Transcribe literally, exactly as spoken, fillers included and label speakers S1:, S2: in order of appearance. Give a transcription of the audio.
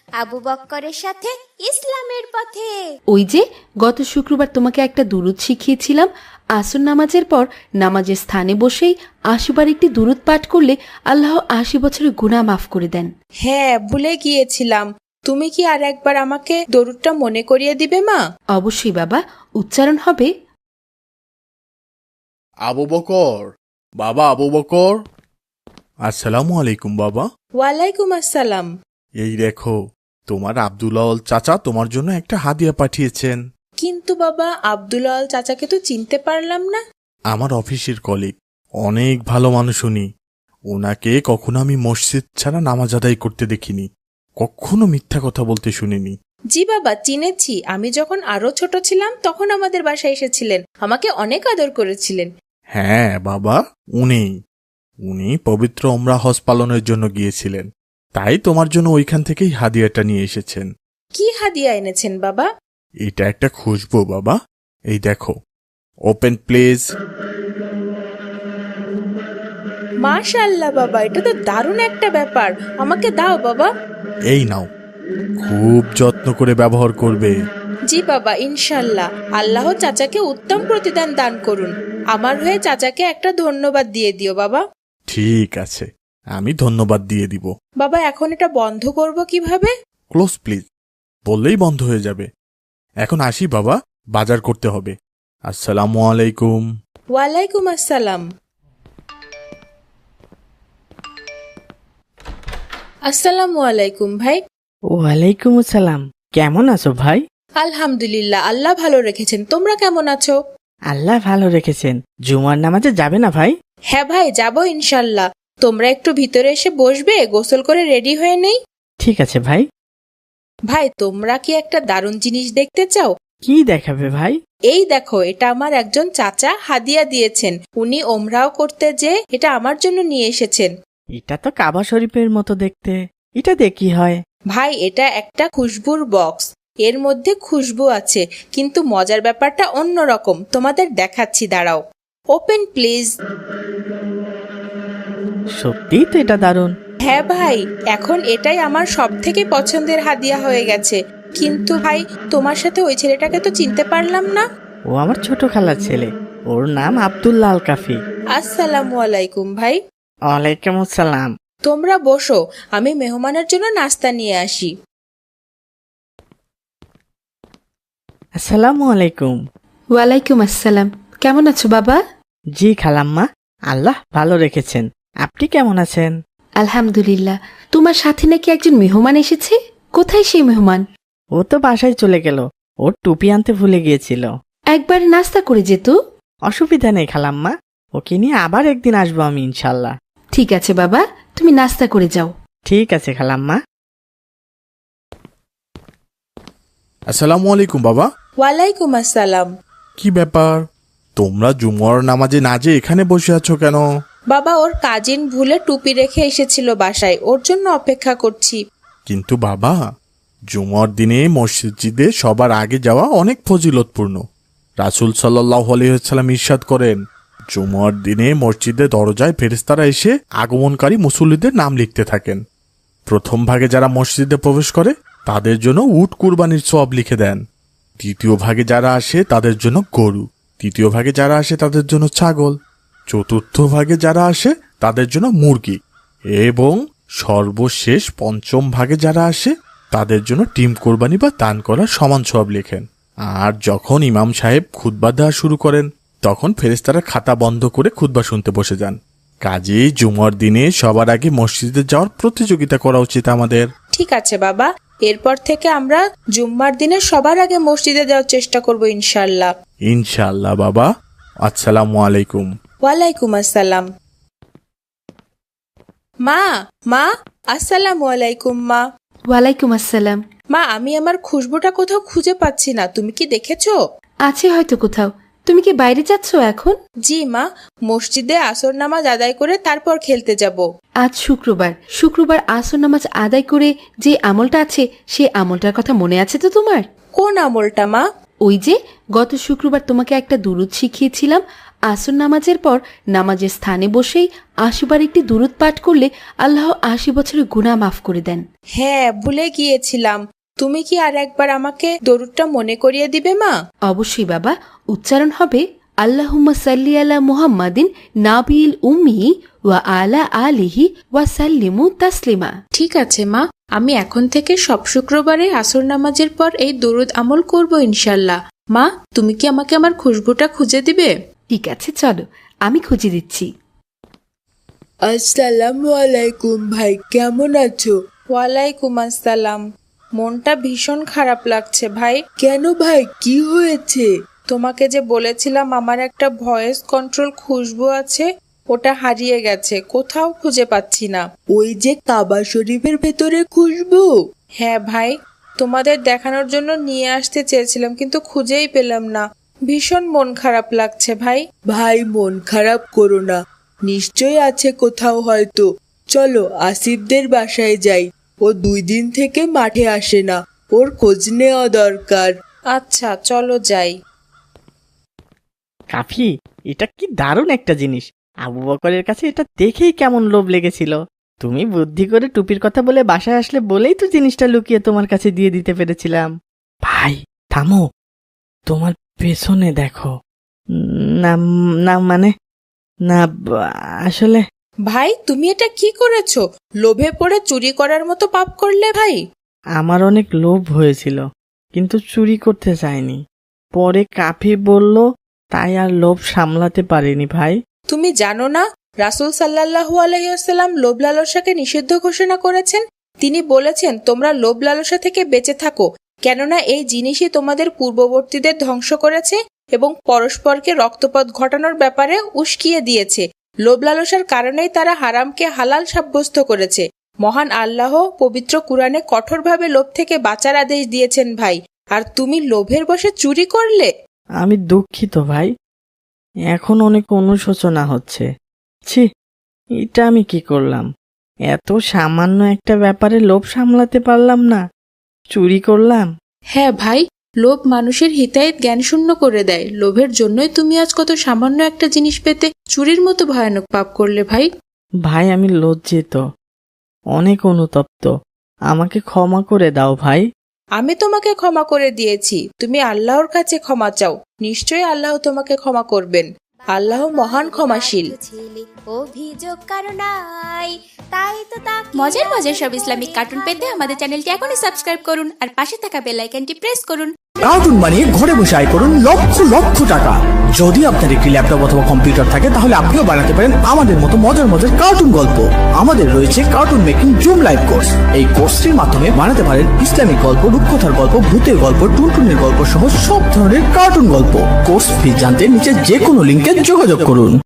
S1: আবু বক্করের সাথে ইসলামের পথে।
S2: ওই যে গত শুক্রবার তোমাকে একটা দুরূদ শিখিয়েছিলাম, আসর নামাজের পর নামাজের স্থানে বসেই আশি বার একটি দুরূদ পাঠ করলে আল্লাহ আশি বছরের গুনাহ মাফ করে দেন।
S3: হ্যাঁ, ভুলে গিয়েছিলাম। তুমি কি আর একবার আমাকে দরুদটা মনে করিয়ে দিবে মা?
S2: অবশ্যই বাবা, উচ্চারণ হবে
S4: আবু বকর, বাবা আবু বকর। আসসালামু আলাইকুম বাবা।
S3: ওয়ালাইকুম আসসালাম।
S4: এই দেখো, তোমার আব্দুল্লাহ চাচা তোমার জন্য একটা হাদিয়া পাঠিয়েছেন।
S3: কিন্তু বাবা, আব্দুল্লাহ চাচাকে তো চিনতে পারলাম না।
S4: আমার অফিসের কলিগ, অনেক ভালো মানুষ উনি। ওনাকে কখনো আমি মসজিদ ছাড়া নামাজ আদায় করতে দেখিনি, কখনো মিথ্যা কথা বলতে শুনিনি।
S3: জি বাবা, চিনেছি। আমি যখন আরো ছোট ছিলাম তখন আমাদের বাসায় এসেছিলেন, আমাকে অনেক আদর করেছিলেন।
S4: হ্যাঁ বাবা, উনি উনি পবিত্র ওমরা হজ পালনের জন্য গিয়েছিলেন, তাই তোমার জন্য ওইখান থেকেই হাদিয়াটা নিয়ে এসেছেন।
S3: কি হাদিয়া এনেছেন বাবা?
S4: এটা একটা খুশবু বাবা, এই দেখো। Open please.
S3: মাশাআল্লাহ বাবা, এটা তো দারুণ একটা ব্যাপার। আমাকে দাও বাবা।
S4: এই নাও, খুব যত্ন করে ব্যবহার করবে।
S3: জি বাবা, ইনশাল্লাহ। আল্লাহ চাচাকে উত্তম প্রতিদান দান করুন। আমার হয়ে চাচাকে একটা ধন্যবাদ দিয়ে দিও বাবা।
S4: ঠিক আছে, আমি ধন্যবাদ দিয়ে দিব।
S3: বাবা, এখন এটা বন্ধ করব কিভাবে?
S4: ক্লোজ প্লিজ বললেই বন্ধ হয়ে যাবে। এখন আসি বাবা, বাজার করতে হবে। আসসালামু আলাইকুম।
S3: ওয়ালাইকুম আসসালাম। আসসালামু আলাইকুম ভাই।
S5: ওয়ালাইকুম আসসালাম। কেমন আছো ভাই?
S3: আলহামদুলিল্লাহ, আল্লাহ ভালো রেখেছেন। তোমরা কেমন আছো?
S5: আল্লাহ ভালো রেখেছেন। জুমার নামাজে যাবে না ভাই?
S3: হ্যাঁ ভাই, যাবো ইনশাল্লাহ। তোমরা একটু ভিতরে এসে বসবে, গোসল করে রেডি হয়ে নেই।
S5: ঠিক আছে ভাই।
S3: ভাই, তোমরা কি একটা দারুণ জিনিস দেখতে চাও?
S5: কি দেখাবে ভাই?
S3: এই দেখো, এটা আমার একজন চাচা হাদিয়া দিয়েছেন। উনি ওমরাও করতে যে এটা আমার জন্য নিয়ে এসেছেন।
S5: এটা তো কাবা শরীফের মতো দেখতে, এটা দিয়ে কি হয়?
S3: ভাই, এটা একটা খুশবুর বক্স। এর মধ্যে খুশবু আছে, কিন্তু মজার ব্যাপারটা অন্যরকম। তোমাদের দেখাচ্ছি, দাঁড়াও। Open please.
S5: সত্যিই তো এটা দারুণ।
S3: হ্যাঁ ভাই, এখন এটাই আমার সব থেকে পছন্দের হাদিয়া হয়ে গেছে। কিন্তু ভাই, তোমার সাথে ওই ছেলেটাকে তো চিনতে পারলাম না।
S5: ও আমার ছোট খালার ছেলে, ওর নাম আব্দুল্লাহ আল কাফি।
S3: আসসালামু আলাইকুম ভাই।
S5: ওয়ালাইকুম আসসালাম।
S3: তোমরা বসো, আমি মেহমানের জন্য নাস্তা নিয়ে আসি।
S5: আসসালামু আলাইকুম।
S2: ওয়ালাইকুম আসসালাম। কেমন আছো বাবা?
S5: জি খালাম্মা, আল্লাহ ভালো রেখেছেন। আপনি কেমন আছেন?
S2: আলহামদুলিল্লাহ। তোমার সাথে নাকি একজন মেহমান এসেছে? কোথায় সেই মেহমান?
S5: ও তো বাসায় চলে গেল, ওর টুপি আনতে ভুলে গিয়েছিল।
S2: একবার নাস্তা করে যেত।
S5: অসুবিধা নেই খালাম্মা, ওকে নিয়ে আবার একদিন আসবো আমি ইনশাল্লাহ।
S2: ঠিক আছে বাবা, তুমি নাস্তা করে যাও।
S5: ঠিক আছে খালাম্মা।
S4: আসসালামু আলাইকুম বাবা।
S3: ওয়ালাইকুম আসসালাম।
S4: কি ব্যাপার, তোমরা জুমার নামাজে না যে এখানে বসে আছো কেন?
S3: বাবা, ওর কাজিন ভুলে টুপি রেখে এসেছিল বাসায়, ওর জন্য অপেক্ষা করছি।
S4: কিন্তু বাবা, জুমার দিনে মসজিদে সবার আগে যাওয়া অনেক ফজিলতপূর্ণ। রাসূল সাল্লাল্লাহু আলাইহি ওয়াসাল্লাম ইরশাদ করেন, জুমার দিনে মসজিদে দরজায় ফেরেশতারা এসে আগমনকারী মুসল্লিদের নাম লিখতে থাকেন। প্রথম ভাগে যারা মসজিদে প্রবেশ করে তাদের জন্য উট কুরবানির সওয়াব লিখে দেন। দ্বিতীয় ভাগে যারা আসে তাদের জন্য গরু, তৃতীয় ভাগে যারা আসে তাদের জন্য ছাগল, চতুর্থ ভাগে যারা আসে তাদের জন্য মুরগি, এবং সর্বশেষ পঞ্চম ভাগে যারা আসে তাদের জন্য ডিম কোরবানি বা দান করার সমান সওয়াব লেখেন। আর যখন ইমাম সাহেব খুতবা দেওয়া শুরু করেন তখন ফেরেশতারা খাতা বন্ধ করে খুতবা শুনতে বসে যান। কাজেই জুমার দিনে সবার আগে মসজিদে যাওয়ার প্রতিযোগিতা করা উচিত আমাদের।
S3: ঠিক আছে বাবা, এরপর থেকে আমরা জুম্মার দিনে সবার আগে মসজিদে যাওয়ার চেষ্টা করব ইনশাল্লাহ।
S4: ইনশাআল্লাহ বাবা। আসসালামু আলাইকুম।
S3: ওয়ালাইকুম আসসালাম। মা, মা, আসসালামু আলাইকুম মা।
S2: ওয়ালাইকুম আসসালাম।
S3: মা, আমি আমার খুশবুটা কোথাও খুঁজে পাচ্ছি না, তুমি কি দেখেছো?
S2: আছে হয়তো কোথাও। তুমি কি বাইরে যাচ্ছ এখন?
S3: জি মা, মসজিদে আসর নামাজ আদায় করে তারপর খেলতে যাব।
S2: আজ শুক্রবার, শুক্রবার আসর নামাজ আদায় করে যে আমলটা আছে সেই আমলটার কথা মনে আছে তো তোমার?
S3: কোন আমলটা মা?
S2: ওই যে গত শুক্রবার তোমাকে একটা দুরূদ শিখিয়েছিলাম, আসর নামাজের পর নামাজের স্থানে বসেই আশিবার একটি দুরূদ পাঠ করলে আল্লাহ আশি বছরের গুনাহ মাফ করে দেন।
S3: হ্যাঁ, ভুলে গিয়েছিলাম। তুমি কি আর একবার আমাকে দরুদটা মনে করিয়ে দিবে মা?
S2: অবশ্যই বাবা, উচ্চারণ হবে আল্লাহুম্মা সাল্লি আলা মুহাম্মাদিন নাবিল উম্মি ওয়া আলা আলিহি ওয়া সাল্লিমু তাসলিমা।
S3: ঠিক আছে মা, আমি এখন থেকে সব শুক্রবারে আসর নামাজের পর এই দরুদ আমল করব ইনশাল্লাহ। মা, তুমি কি আমাকে আমার খুশবুটা খুঁজে দিবে?
S2: ঠিক আছে, চলো আমি খুঁজে দিচ্ছি।
S3: আসসালামু আলাইকুম ভাই, কেমন আছো? ওয়ালাইকুম আসসালাম। মনটা ভীষণ খারাপ লাগছে ভাই। কেন ভাই, কি হয়েছে? তোমাকে যে বলেছিলাম আমার একটা ভয়েস কন্ট্রোল খুশবু আছে, ওটা হারিয়ে গেছে, কোথাও খুঁজে পাচ্ছি না। ওই যে কাবা শরীফের ভেতরে খুশবু? হ্যাঁ ভাই, তোমাদের দেখানোর জন্য নিয়ে আসতে চেয়েছিলাম কিন্তু খুঁজেই পেলাম না। ভীষণ মন খারাপ লাগছে ভাই। ভাই, মন খারাপ করো না, নিশ্চয়ই আছে কোথাও হয়তো। চলো আসিফদের বাসায় যাই, ও দুই দিন থেকে মাঠে আসে না, ওর খোঁজ নেওয়া দরকার। আচ্ছা, চলো যাই।
S5: কাফি, এটা কি দারুণ একটা জিনিস। আবু বকরের কাছে এটা দেখেই কেমন লোভ লেগেছিল। তুমি বুদ্ধি করে টুপির কথা বলে বাসায় আসলে বলেই তো জিনিসটা লুকিয়ে তোমার কাছে দিয়ে দিতে পেরেছিলাম। ভাই থামো, তোমার পেছনে দেখো। না না মানে না, আসলে
S3: ভাই, তুমি এটা কি করেছো? লোভে পড়ে চুরি করার মতো পাপ করলে ভাই।
S5: আমার অনেক লোভ হয়েছিল, কিন্তু চুরি করতে চাইনি। পরে কাফি বলল, তাই আর লোভ সামলাতে পারিনি ভাই।
S3: তুমি জানো না রাসূল সাল্লাল্লাহু আলাইহি ওয়াসাল্লাম লোভ লালসাকে নিষিদ্ধ ঘোষণা করেছেন? তিনি বলেছেন, তোমরা লোভ লালসা থেকে বেঁচে থাকো, কেননা এই জিনিসই তোমাদের পূর্ববর্তীদের ধ্বংস করেছে এবং পরস্পরকে রক্তপাত ঘটানোর ব্যাপারে উস্কিয়ে দিয়েছে। লোভ লালসার কারণেই তারা হারামকে হালাল সাব্যস্ত করেছে। মহান আল্লাহ পবিত্র কুরআনে কঠোরভাবে লোভ থেকে বাঁচার আদেশ দিয়েছেন ভাই, আর তুমি লোভের বশে চুরি করলে।
S5: আমি দুঃখিত ভাই, এখন অনেক অনুশোচনা হচ্ছে। ছি, এটা আমি কি করলাম? এত সামান্য একটা ব্যাপারে লোভ সামলাতে পারলাম না, চুরি করলাম।
S3: হ্যাঁ ভাই, লোভ মানুষের হিতাহিত জ্ঞান শূন্য করে দেয়। লোভের জন্যই তুমি আজ কত সামান্য একটা জিনিস পেতে চুরির মতো ভয়ানক পাপ করলে ভাই।
S5: ভাই, আমি লজ্জিত, অনেক অনুতপ্ত, আমাকে ক্ষমা করে দাও ভাই।
S3: আমি তোমাকে ক্ষমা করে দিয়েছি, তুমি আল্লাহর কাছে ক্ষমা চাও, নিশ্চয়ই আল্লাহ তোমাকে ক্ষমা করবেন। আল্লাহ মহান ক্ষমাশীল।
S1: অভিযোগ কারো নাই, তাই তো তাকে মজার মজার সব ইসলামিক কার্টুন পেতে আমাদের চ্যানেলটি এখনই সাবস্ক্রাইব করুন আর পাশে থাকা বেল আইকনটি প্রেস করুন।
S6: কার্টুন বানিয়ে ঘরে বসে আয় করুন লক্ষ লক্ষ টাকা। যদি আপনার একটি ল্যাপটপ অথবা কম্পিউটার থাকে তাহলে আপনিও বানাতে পারেন আমাদের মতো মজার মজার কার্টুন গল্প। আমাদের রয়েছে cartoon making zoom live course. এই কোর্সটির মাধ্যমে বানাতে পারেন ইসলামিক গল্প, রূপকথার গল্প, ভূতের গল্প, টুনটুনের গল্প সহ সব ধরনের কার্টুন গল্প। কোর্স ফি জানতে নিচে যে কোনো লিঙ্কে যোগাযোগ করুন।